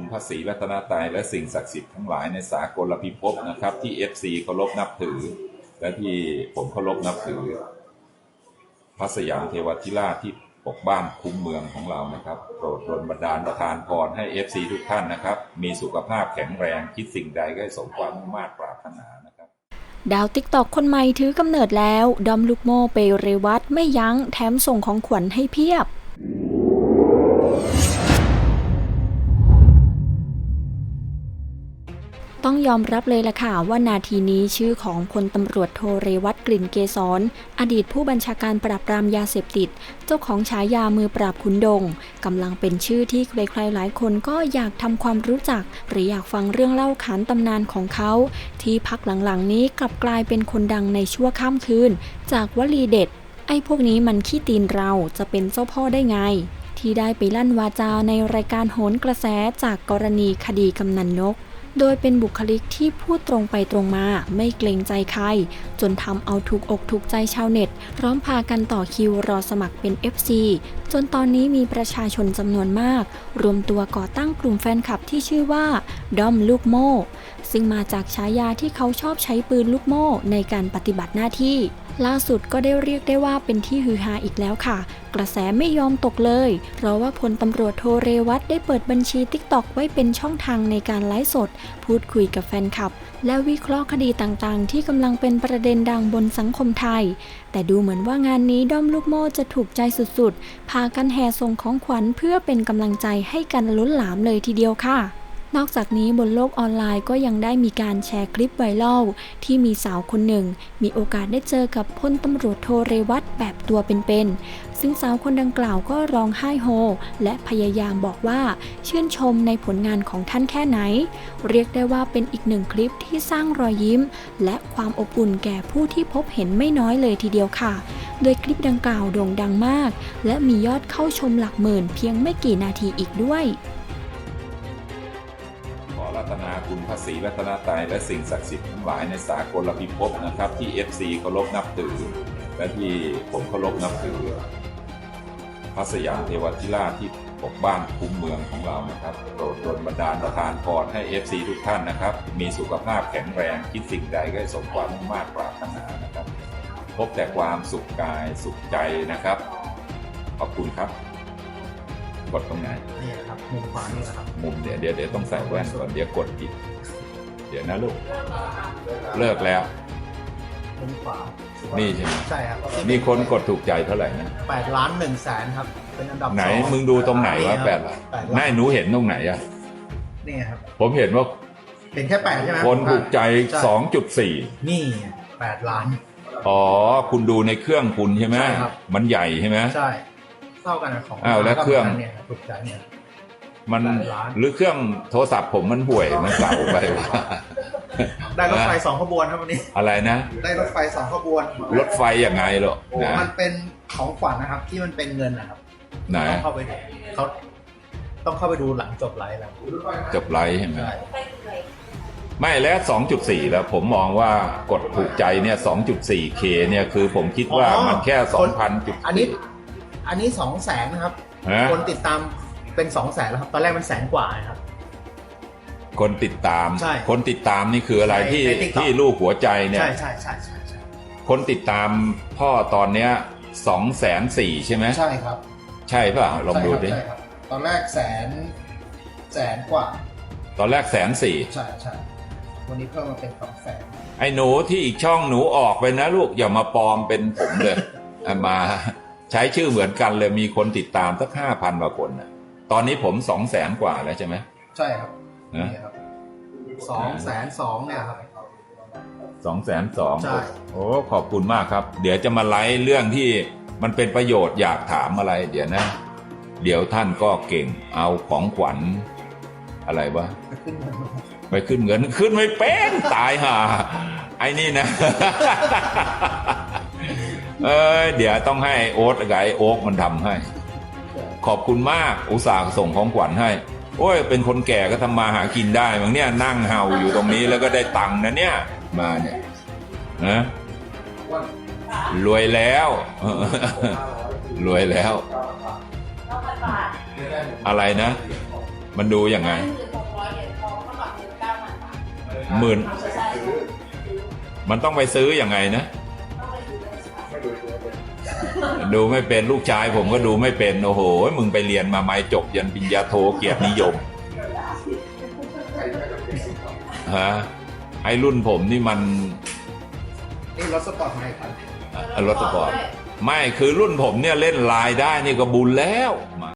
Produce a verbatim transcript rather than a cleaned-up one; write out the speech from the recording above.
พระศรีรัตนตรัยและสิ่งศักดิ์สิทธิ์ทั้งหลายในสากลพิภพนะครับที่ เอฟ ซี เคารพนับถือและที่ผมเคารพนับถือพระสยามเทวทิราชที่ปกบ้านคุ้มเมืองของเรานะครับโปรดดลบันดาลประทานพรให้ เอฟ ซี ทุกท่านนะครับมีสุขภาพแข็งแรงคิดสิ่งใดก็ให้สมความมุ่งมั่นปรารถนานะครับดาวติ๊กตอกคนใหม่ถือกำเนิดแล้วดอมลูกโม่ไปเรวัตไม่ยั้งแถมส่งของขวัญให้เพียบต้องยอมรับเลยล่ะค่ะว่านาทีนี้ชื่อของพลตำรวจโทเรวัตกลิ่นเกษรอดีตผู้บัญชาการปราบปรามยาเสพติดเจ้าของฉายามือปราบขุนดงกำลังเป็นชื่อที่ใครๆหลายคนก็อยากทำความรู้จักหรืออยากฟังเรื่องเล่าขานตำนานของเขาที่พักหลังๆนี้กลับกลายเป็นคนดังในชั่วข้ามคืนจากวลีเด็ดไอ้พวกนี้มันขี้ตีนเราจะเป็นเจ้าพ่อได้ไงที่ได้ไปลั่นวาจาในรายการโหนกระแสจากกรณีคดีกำนันนกโดยเป็นบุคลิกที่พูดตรงไปตรงมาไม่เกรงใจใครจนทำเอาถูกอกถูกใจชาวเน็ตพร้อมพากันต่อคิวรอสมัครเป็น เอฟ ซี จนตอนนี้มีประชาชนจำนวนมากรวมตัวก่อตั้งกลุ่มแฟนคลับที่ชื่อว่าดอมลูกโม่ซึ่งมาจากฉายาที่เขาชอบใช้ปืนลูกโม่ในการปฏิบัติหน้าที่ล่าสุดก็ได้เรียกได้ว่าเป็นที่ฮือฮาอีกแล้วค่ะกระแสไม่ยอมตกเลยเพราะว่าพลตำรวจโทเรวัตได้เปิดบัญชี ติ๊กต็อก ไว้เป็นช่องทางในการไลฟ์สดพูดคุยกับแฟนคลับและวิเคราะห์คดีต่างๆที่กำลังเป็นประเด็นดังบนสังคมไทยแต่ดูเหมือนว่างานนี้ด้อมลูกโม่จะถูกใจสุดๆพากันแห่ส่งของขวัญเพื่อเป็นกำลังใจให้กันล้นหลามเลยทีเดียวค่ะนอกจากนี้บนโลกออนไลน์ก็ยังได้มีการแชร์คลิปไวรัลที่มีสาวคนหนึ่งมีโอกาสได้เจอกับพลตำรวจโทเรวัตแบบตัวเป็นๆซึ่งสาวคนดังกล่าวก็ร้องไห้โฮและพยายามบอกว่าชื่นชมในผลงานของท่านแค่ไหนเรียกได้ว่าเป็นอีกหนึ่งคลิปที่สร้างรอยยิ้มและความอบอุ่นแก่ผู้ที่พบเห็นไม่น้อยเลยทีเดียวค่ะโดยคลิปดังกล่าวโด่งดังมากและมียอดเข้าชมหลักหมื่นเพียงไม่กี่นาทีอีกด้วยรัตนาคุณพระศรีรัตนตรัยและสิ่งศักดิ์สิทธิ์ทั้งหลายในสากลพิภพนะครับที่ เอฟ ซี เคารพนับถือและที่ผมเคารพนับถือพระสยามเทวทิราชที่ปกบ้านคุ้มเมืองของเรานะครับโปรดดลบันดาลประทานพรให้ เอฟ ซี ทุกท่านนะครับมีสุขภาพแข็งแรงคิดสิ่งใดก็ให้สมความมุ่งมั่นปรารถนานะครับพบแต่ความสุขกายสุขใจนะครับขอบคุณครับกดตรงไหนนี่ครับมุมขวานี่นะครับมุมเดี๋ยวเดี๋ยวเดี๋ยวต้องใส่แว่นก่อนเดี๋ยวกดผิดเดี๋ยวนะลูกเลิกแล้วมุมขวานี่ใช่ไหมใช่ครับมีคนกดถูกใจเท่าไหร่นะแปดล้านหนึ่งแสนครับเป็นอันดับไหนมึงดูตรงไหนวะแปดล้านไม่หนูเห็นตรงไหนอะนี่ครับผมเห็นว่าเห็นแค่แปดใช่ไหมคนถูกใจ สองจุดสี่นี่แปดล้านอ๋อคุณดูในเครื่องคุณใช่ไหมมันใหญ่ใช่ไหมใช่เท่ากันของอ้าวแล้วเครื่องเนี่ยถูกใจเนี่ยมันหรือเครื่องโทรศัพท์ผมมันห่วยมันเก่าไปว่าได้รถไฟสองขบวนครับวันนี้อะไรนะได้รถไฟสองขบวนรถไฟยังไงหรอนะมันเป็นของขวัญนะครับที่มันเป็นเงินนะครับไหนเข้าไปเขาต้องเข้าไปดูหลังจบไลฟ์แล้วจบไลฟ์ใช่ไหมไม่แล้ว สองจุดสี่ แล้วผมมองว่ากดถูกใจเนี่ย สองจุดสี่เค เนี่ยคือผมคิดว่ามันแค่ สองพัน จุดอันนี้อันนี้สองแสนนะครับคนติดตามเป็นสองแสนแล้วครับตอนแรกมันแสนกว่าครับคนติดตามคนติดตามนี่คืออะไรที่ที่ลูกหัวใจเนี่ยใช่ใช่ใช่ใช่คนติดตามพ่อตอนเนี้ยสองแสนสี่ใช่ไหมใช่ครับใช่ป่ะลองดูดิตอนแรกแสนแสนกว่าตอนแรกแสนสี่ใช่ใช่วันนี้เพิ่มมาเป็นสองแสนไอ้หนูที่อีกช่องหนูออกไปนะลูกอย่ามาปลอมเป็นผมเลยมาใช้ชื่อเหมือนกันเลยมีคนติดตามสักห้าพันกว่าคนนะตอนนี้ผมสองแสนกว่าแล้วใช่ไหมใช่ครับนี่ครับสองแสนสองเนี่ยครับสองแสนสองโอ้ขอบคุณมากครับเดี๋ยวจะมาไลฟ์เรื่องที่มันเป็นประโยชน์อยากถามอะไรเดี๋ยวนะเดี๋ยวท่านก็เก่งเอาของขวัญอะไรวะไปขึ้นเงินขึ้นไม่เป็นตายห่าไอ้นี่นะเออเดี๋ยวต้องให้โอ๊ตกับไอ้โอ๊กมันทำให้ขอบคุณมากอุตส่าห์ส่งของขวัญให้โอ้ยเป็นคนแก่ก็ทำมาหากินได้บางเนี่ยนั่งเห่าอยู่ตรงนี้แล้วก็ได้ตังค์นะเนี่ยมาเนี่ยนะรวยแล้วรวยแล้วอะไรนะมันดูยังไงหมื่นมันต้องไปซื้ออยังไงนะดูไม่เป็นลูกชายผมก็ดูไม่เป็นโอ้โหมึงไปเรียนมาไหมจบยันปริญญาโทเกียรตินิยมฮะไอ้รุ่นผมนี่มันนี่รถสปอร์ตไมค์ครับรถสปอร์ตไม่คือรุ่นผมเนี่ยเล่นไลน์ได้นี่ก็บุญแล้ว